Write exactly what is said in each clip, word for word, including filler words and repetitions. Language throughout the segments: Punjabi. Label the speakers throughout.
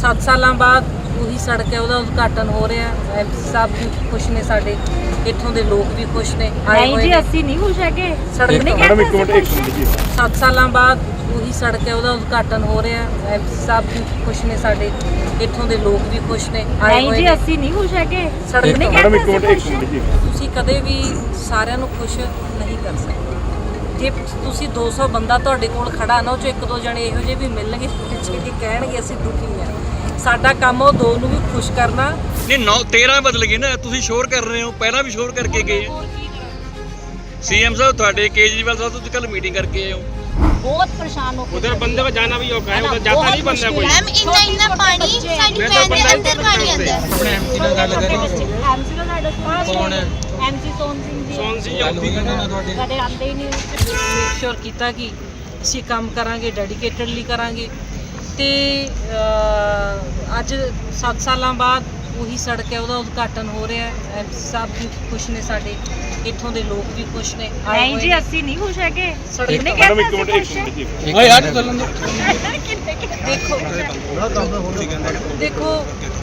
Speaker 1: ਸੱਤ ਸਾਲਾਂ ਬਾਅਦ ਉਹੀ ਸੜਕ ਹੈ, ਉਹਦਾ ਉਦਘਾਟਨ ਹੋ ਰਿਹਾ। ਐਮਪੀ ਸਾਹਿਬ ਵੀ ਖੁਸ਼ ਨੇ, ਸਾਡੇ ਇੱਥੋਂ ਦੇ ਲੋਕ ਵੀ ਖੁਸ਼ ਨੇ।
Speaker 2: ਨਹੀਂ ਜੀ, ਅਸੀਂ ਨਹੀਂ ਖੁਸ਼ ਹੈਗੇ।
Speaker 1: ਸੜਕ
Speaker 2: ਨਹੀਂ
Speaker 3: ਮੈਡਮ ਇੱਕ ਮਿੰਟ ਇੱਕ ਮਿੰਟ ਜੀ।
Speaker 1: ਸੱਤ ਸਾਲਾਂ ਬਾਅਦ ਉਹੀ ਸੜਕ ਹੈ, ਉਹਦਾ ਉਦਘਾਟਨ ਹੋ ਰਿਹਾ। ਐਮਪੀ ਸਾਹਿਬ ਵੀ ਖੁਸ਼ ਨੇ, ਸਾਡੇ ਇੱਥੋਂ ਦੇ ਲੋਕ ਵੀ ਖੁਸ਼ ਨੇ।
Speaker 2: ਨਹੀਂ ਜੀ, ਅਸੀਂ ਨਹੀਂ ਖੁਸ਼ ਹੈਗੇ।
Speaker 1: ਸੜਕ ਨਹੀਂ
Speaker 3: ਮੈਡਮ ਇੱਕ ਮਿੰਟ ਇੱਕ ਮਿੰਟ ਜੀ।
Speaker 1: ਤੁਸੀਂ ਕਦੇ ਵੀ ਸਾਰਿਆਂ ਨੂੰ ਖੁਸ਼ ਨਹੀਂ ਕਰ ਸਕਦੇ। ਜੇ ਤੁਸੀਂ ਦੋ ਸੌ ਬੰਦਾ ਤੁਹਾਡੇ ਕੋਲ ਖੜਾ ਨਾ, ਉਹ ਚੋਂ ਇੱਕ ਦੋ ਜਣੇ ਇਹੋ ਜਿਹੇ ਵੀ ਮਿਲਣਗੇ ਜਿਹੜੇ ਕਹਿਣਗੇ ਅਸੀਂ ਦੁਖੀ ਹਾਂ। ਸਾਡਾ ਕੰਮ ਉਹ ਦੋ ਨੂੰ ਵੀ ਖੁਸ਼ ਕਰਨਾ।
Speaker 4: ਨਹੀਂ ਨੌ ਤੇਰਾਂ ਬਦਲ ਗਏ ਨਾ, ਤੁਸੀਂ ਸ਼ੋਰ ਕਰ ਰਹੇ ਹੋ, ਪਹਿਲਾਂ ਵੀ ਸ਼ੋਰ ਕਰਕੇ ਗਏ। ਸੀਐਮ ਸਾਹਿਬ ਤੁਹਾਡੇ केजरीवाल साहब तो कल मीटिंग करके आए हो।
Speaker 2: बहुत परेशान हो।
Speaker 5: उधर बंदे को जाना भी औखा है, उधर जाता नहीं बंदा कोई।
Speaker 6: मैम इतना इतना पानी साडी पैन दे अंदर पानी आंदा है।
Speaker 5: अपने एमसी ਨਾਲ ਗੱਲ ਕਰੀ।
Speaker 2: एमसी ਦਾ ਸਾਡਾ ਕੌਣ ਹੈ? एमसी सोन सिंह जी।
Speaker 5: सोन सिंह ਆਉਂਦੀ ਕਹਿੰਦੇ ਨਾ ਤੁਹਾਡੇ
Speaker 2: ਕਦੇ ਆਉਂਦੇ ਹੀ ਨਹੀਂ।
Speaker 1: ਮੇਕ ਸ਼ੋਰ ਕੀਤਾ ਕਿ ਅਸੀਂ ਕੰਮ ਕਰਾਂਗੇ, ਡੈਡੀਕੇਟਡਲੀ ਕਰਾਂਗੇ। ਤੇ ਅੱਜ ਸੱਤ ਸਾਲਾਂ ਬਾਅਦ ਉਹੀ ਸੜਕ ਹੈ, ਉਹਦਾ ਉਦਘਾਟਨ ਹੋ ਰਿਹਾ। ਐਮਪੀ ਸਾਹਿਬ ਵੀ ਖੁਸ਼ ਨੇ, ਸਾਡੇ ਇੱਥੋਂ ਦੇ ਲੋਕ ਵੀ ਖੁਸ਼ ਨੇ।
Speaker 2: ਨਹੀਂ ਜੀ, ਅਸੀਂ ਨਹੀਂ ਖੁਸ਼ ਹੈਗੇ।
Speaker 1: ਸੜਕ
Speaker 2: ਨਹੀਂ
Speaker 3: ਮੈਡਮ ਇੱਕ
Speaker 2: ਕਹਿੰਦੇ
Speaker 3: ਮਿੰਟ
Speaker 2: ਅਸੀਂ
Speaker 3: ਇੱਕ ਮਿੰਟ ਜੀ।
Speaker 4: ਓਏ ਯਾਰ ਚੱਲਣ ਦੋ।
Speaker 1: ਦੇਖੋ ਦੇਖੋ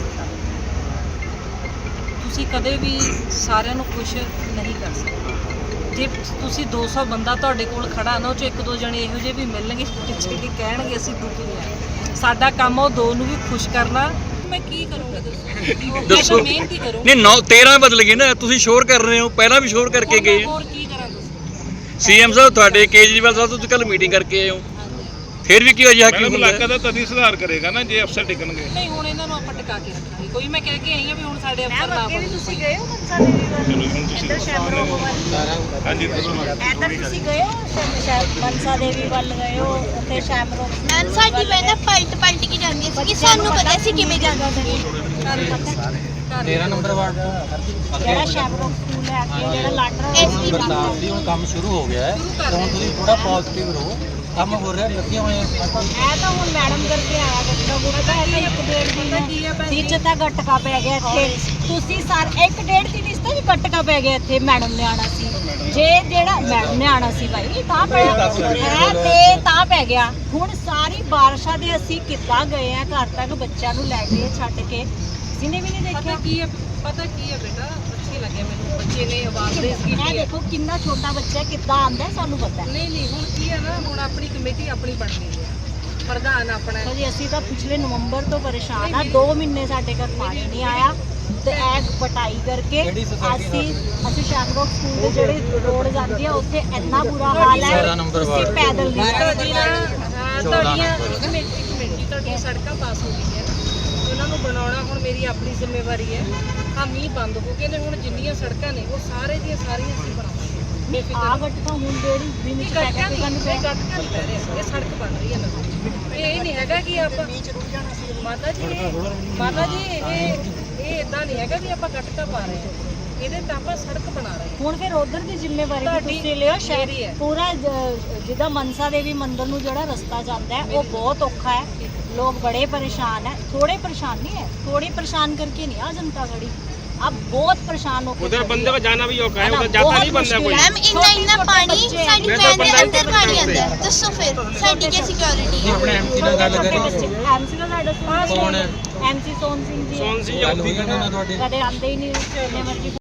Speaker 1: ਤੁਸੀਂ ਕਦੇ ਵੀ ਸਾਰਿਆਂ ਨੂੰ ਖੁਸ਼ ਨਹੀਂ ਕਰ ਸਕਦੇ। ਜੇ ਤੁਸੀਂ ਦੋ ਸੌ ਬੰਦਾ ਤੁਹਾਡੇ ਕੋਲ ਖੜਾ ਨਾ, ਉਹ ਚੋਂ ਇੱਕ ਦੋ ਜਣੇ ਇਹੋ ਜਿਹੇ ਵੀ ਮਿਲਣਗੇ ਜਿਹੜੇ ਕਹਿਣਗੇ ਅਸੀਂ ਦੁਖੀ ਹਾਂ। ਸਾਡਾ ਕੰਮ ਉਹ ਦੋ ਨੂੰ ਵੀ ਖੁਸ਼ ਕਰਨਾ। ਮੈਂ ਕੀ ਕਰੂੰਗਾ ਦੱਸੋ?
Speaker 4: ਦੱਸੋ।
Speaker 1: ਮਿਹਨਤ ਹੀ ਕਰੂੰ।
Speaker 4: ਨਹੀਂ ਨੌ ਤੇਰਾਂ ਬਦਲ ਗਏ ਨਾ, ਤੁਸੀਂ ਸ਼ੋਰ ਕਰ ਰਹੇ ਹੋ, ਪਹਿਲਾਂ ਵੀ ਸ਼ੋਰ ਕਰਕੇ ਗਏ।
Speaker 1: ਹੋਰ ਕੀ ਕਰਾਂ ਦੱਸੋ?
Speaker 4: ਸੀਐਮ ਸਾਹਿਬ ਤੁਹਾਡੇ केजरीवाल साहब ਤੋਂ ਕੱਲ ਮੀਟਿੰਗ ਕਰਕੇ ਆਏ ਹੋ, ਫਿਰ ਵੀ ਕੀ ਅਜਿਹਾ ਕੀ
Speaker 3: ਮੈਡਮ
Speaker 4: ਹੁੰਦਾ?
Speaker 3: ਇਲਾਕਾ ਦਾ ਤਦੀ ਸੁਧਾਰ ਕਰੇਗਾ ਨਾ ਜੇ ਅਫਸਰ ਟਿਕਣਗੇ।
Speaker 1: ਨਹੀਂ ਹੁਣ ਇਹਨਾਂ ਨੂੰ ਆਪਾਂ ਟਿਕਾ ਕੇ ਰੱਖਾਂਗੇ। ਕੋਈ ਮੈਂ ਕਹਿ ਕੇ ਆਈ ਹਾਂ ਵੀ ਹੁਣ ਸਾਡੇ ਅਫਸਰ ਨਾ
Speaker 2: ਅੱਗੇ ਵੀ
Speaker 1: ਬਣੋ।
Speaker 2: ਤੁਸੀਂ ਗਏ ਹੋ ਮਨਸਾ ਦੇਵੀ ਵੱਲ?
Speaker 3: ਚਲੋ ਹੁਣ ਤੁਸੀਂ
Speaker 2: ਇੱਧਰ ਸ਼ੈਮਰੋਗ ਵੱਲ।
Speaker 3: ਹਾਂਜੀ ਦੱਸੋ।
Speaker 2: ਇੱਧਰ ਤੁਸੀਂ ਗਏ ਹੋ ਸ਼ੈਮ- ਸ਼ੈਮ- ਮਨਸਾ ਦੇਵੀ ਵੱਲ ਗਏ ਹੋ? ਉੱਥੇ ਸ਼ੈਮਰੋਗ
Speaker 6: मैम साडी पैन पलट पलट के जांदी सी कि सानू पता सी किवें जांदा सी।
Speaker 7: तेरह नंबर वार्ड
Speaker 2: ਜਿਹੜਾ ਸ਼ੈਮਰੋਗ ਸਕੂਲ ਹੈ ਅੱਗੇ ਜਿਹੜਾ ਲਾਟਰਾ
Speaker 6: ਐਸਪੀ
Speaker 7: बरसात ਦੀ ਹੁਣ ਕੰਮ ਸ਼ੁਰੂ ਹੋ ਗਿਆ ਹੈ ਤਾਂ ਹੁਣ ਤੁਸੀਂ ਥੋੜਾ ਪੋਜ਼ਿਟਿਵ ਰਹੋ, ਕੰਮ ਹੋ ਰਿਹਾ, ਲੱਗੀਆਂ ਹੋਈਆਂ।
Speaker 2: ਇਹ ਤਾਂ ਹੁਣ ਮੈਡਮ ਕਰਕੇ ਆਇਆ ਗੱਟਕਾ ਗੁੱਟਕਾ। ਇਹ ਤਾਂ ਇੱਕ ਡੇਢ ਦਿਨ ਵਿੱਚ ਤਾਂ ਗੱਟਕਾ ਪੈ ਗਿਆ ਇੱਥੇ। ਤੁਸੀਂ ਸਰ ਇੱਕ ਡੇਢ ਦਿਨ ਇਸ ਤੋਂ ਵੀ ਗੱਟਕਾ ਪੈ ਗਿਆ ਇੱਥੇ। ਮੈਡਮ ਨੇ ਆਣਾ ਸੀ, ਜੇ ਜਿਹੜਾ ਮੈਡਮ ਨੇ ਆਣਾ ਸੀ ਭਾਈ ਤਾਂ ਪਿਆ ਹੈ ਤੇ ਤਾਂ ਪੈ ਗਿਆ। ਹੁਣ ਸਾਰੀ ਬਾਰਿਸ਼ਾਂ ਦੇ ਅਸੀਂ ਕਿੱਦਾਂ ਗਏ ਆ ਘਰ ਤੱਕ ਬੱਚਿਆਂ ਨੂੰ ਲੈ ਕੇ ਛੱਡ ਕੇ, ਜਿਹਨੇ ਵੀ ਨਹੀਂ ਦੇਖਿਆ।
Speaker 1: ਪਤਾ ਕੀ ਹੈ ਪਤਾ ਕੀ ਹੈ ਬੇਟਾ, ਅੱਛੀ ਲੱਗੇ ਮੈਨੂੰ। ਬੱਚੇ ਨੇ ਆਵਾਜ਼ ਰੇਜ਼
Speaker 2: ਇਹ
Speaker 1: ਕੀਤੀ ਹੈ।
Speaker 2: ਦੇਖੋ ਕਿੰਨਾ ਛੋਟਾ ਬੱਚਾ ਕਿੱਦਾਂ ਆਂਦਾ ਸਾਨੂੰ ਪਤਾ ਹੈ।
Speaker 1: ਨਹੀਂ ਨਹੀਂ ਹੁਣ ਕੀ ਹੈ ਨਾ, ਹੁਣ ਆਪਣੀ ਕਮੇਟੀ ਆਪਣੀ ਬਣ ਗਈ ਹੈ, ਪ੍ਰਧਾਨ ਆਪਣਾ ਹੈ।
Speaker 2: ਜੀ ਅਸੀਂ ਤਾਂ ਪਿਛਲੇ ਨਵੰਬਰ ਤੋਂ ਪਰੇਸ਼ਾਨ ਆ। ਦੋ ਮਹੀਨੇ ਸਾਡੇ ਘਰ ਪਾਣੀ ਨਹੀਂ ਆਇਆ ਤੇ ਇਹ ਪਟਾਈ ਕਰਕੇ ਅਸੀਂ ਅਸੀਂ ਸ਼ੈਮਰੋਗ ਸਕੂਲ ਦੇ ਜਿਹੜੇ ਰੋਡ ਜਾਂਦੀ ਆ ਉੱਥੇ ਇੰਨਾ ਬੁਰਾ ਹਾਲ ਹੈ। ਤੁਸੀਂ ਪੈਦਲ ਨਹੀਂ ਜਾ
Speaker 1: ਤੁਹਾਡੀ ਨਾ ਅਹ ਤੁਹਾਡੀਆਂ ਕਮੇਟੀ ਕਮੇਟੀ ਤੁਹਾਡੀਆਂ ਸੜਕਾਂ ਪਾਸ ਹੋ ਗਈਆਂ, ਉਹਨਾਂ ਨੂੰ ਬਣਾਉਣਾ ਹੁਣ ਮੇਰੀ ਆਪਣੀ ਜ਼ਿੰਮੇਵਾਰੀ ਹੈ। ਆ ਮੀਂਹ ਬੰਦ ਹੋ ਗਏ ਨੇ, ਹੁਣ ਜਿੰਨੀਆਂ ਸੜਕਾਂ ਨੇ ਉਹ ਸਾਰੇ ਦੀਆਂ ਸਾਰੀਆਂ ਅਸੀਂ ਬਣਾਵਾਂਗੇ।
Speaker 2: ਆ ਗੱਟਕਾ ਹੁਣ ਜਿਹੜੀ ਦਿਨ
Speaker 1: ਇਹ
Speaker 2: ਚ
Speaker 1: ਗੱਟਕਾ
Speaker 2: ਪੈਕਾ
Speaker 1: ਨਹੀਂ,
Speaker 2: ਸਾਨੂੰ
Speaker 1: ਇਹ ਗੱਟਕਾ ਨਹੀਂ ਪੈ ਰਿਹਾ, ਇਹ ਸੜਕ ਬਣ ਰਹੀ ਹੈ ਨਵੀਂ। ਇਹ ਨਹੀਂ ਹੈਗਾ ਕਿ ਆਪਾਂ ਮਾਤਾ ਜੀ ਇਹ- ਮਾਤਾ ਜੀ ਇਹ ਇਹ ਇਦਾਂ ਨਹੀਂ ਹੈਗਾ ਵੀ ਆਪਾਂ ਗੱਟਕਾ ਪਾ ਰਹੇ ਹਾਂ, ਇਹਦੇ ਤਾਂ ਆਪਾਂ ਸੜਕ ਬਣਾ ਰਹੇ ਹਾਂ।
Speaker 2: ਹੁਣ ਫਿਰ ਉਧਰ ਦੀ ਜ਼ਿੰਮੇਵਾਰੀ ਵੀ
Speaker 1: ਤੁਹਾਡੀ
Speaker 2: ਤੁਸੀਂ ਲਿਓ।
Speaker 1: ਮੇਰੀ
Speaker 2: ਸ਼ਹਿਰ
Speaker 1: ਹੈ।
Speaker 2: ਪੂਰਾ ਜ- ਜਿੱਦਾਂ ਮਨਸਾ ਦੇਵੀ ਮੰਦਿਰ ਨੂੰ ਜਿਹੜਾ ਰਸਤਾ ਜਾਂਦਾ ਹੈ ਉਹ ਬਹੁਤ ਔਖਾ ਹੈ। ਲੋਕ ਬੜੇ ਪਰੇਸ਼ਾਨ ਹੈ। ਥੋੜੇ ਪਰੇਸ਼ਾਨ नहीं है, थोड़े परेशान करके नहीं आ जनता खड़ी, अब बहुत परेशान हो।
Speaker 5: उधर बंदे को जाना भी औखा है, उधर जाता नहीं बंदा कोई।
Speaker 6: मैम इतना इतना पानी साडी पैन दे अंदर पानी आंदा है। दसो फिर साडी क्या सिक्योरिटी है?
Speaker 7: ਆਪਣੇ ਐਮਸੀ ਨਾਲ ਗੱਲ ਕਰੀ।
Speaker 2: एमसी ਦਾ ਸਾਡਾ
Speaker 7: ਕੌਣ ਹੈ?
Speaker 2: एमसी सोन सिंह जी।
Speaker 5: सोन सिंह
Speaker 7: ਗੱਲ
Speaker 5: आਉਂਦੀ
Speaker 7: ਹੋਈ ਕਹਿੰਦੇ ਨਾ ਤੁਹਾਡੇ
Speaker 2: ਕਦੇ ਆਉਂਦੇ ਹੀ ਨਹੀਂ, ਜਿੰਨੇ ਮਰਜ਼ੀ